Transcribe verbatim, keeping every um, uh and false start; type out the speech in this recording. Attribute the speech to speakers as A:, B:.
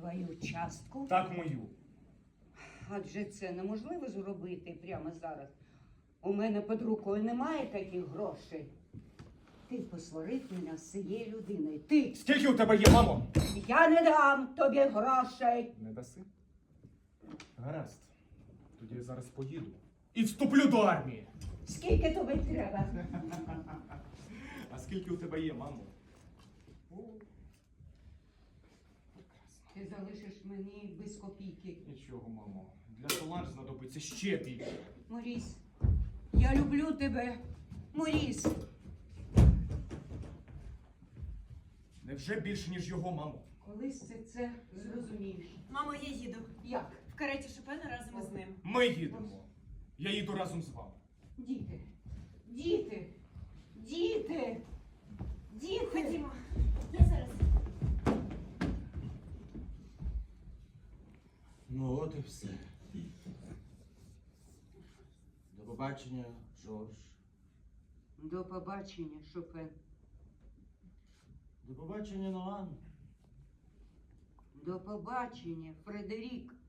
A: твою частку?
B: Так, мою.
A: Адже це неможливо зробити прямо зараз. У мене під рукою немає таких грошей. Ти посварив мене з цією людиною. Ти!
B: Скільки у тебе є, мамо?
A: Я не дам тобі грошей.
B: Не даси? Гаразд. Тоді я зараз поїду. І вступлю до армії.
A: Скільки тобі треба?
B: А скільки у тебе є, мамо? О, прекрасно.
A: Ти залишиш мені без копійки.
B: Нічого, мамо. Для Соланж знадобиться ще більше.
A: Моріс, я люблю тебе. Моріс.
B: Невже більше, ніж його, мамо?
A: Колись ти це зрозумієш.
C: Мамо, я їду.
A: Як?
C: В кареті Шопена разом із ним.
B: Ми їдемо. Я їду разом з вами.
A: Діти, діти, діти, діти.
C: Ходімо. Я зараз.
D: Ну от і все. До побачення, Жорж.
A: До побачення, Шопен.
D: До побачення, Ноан.
A: До побачення, Фредерік.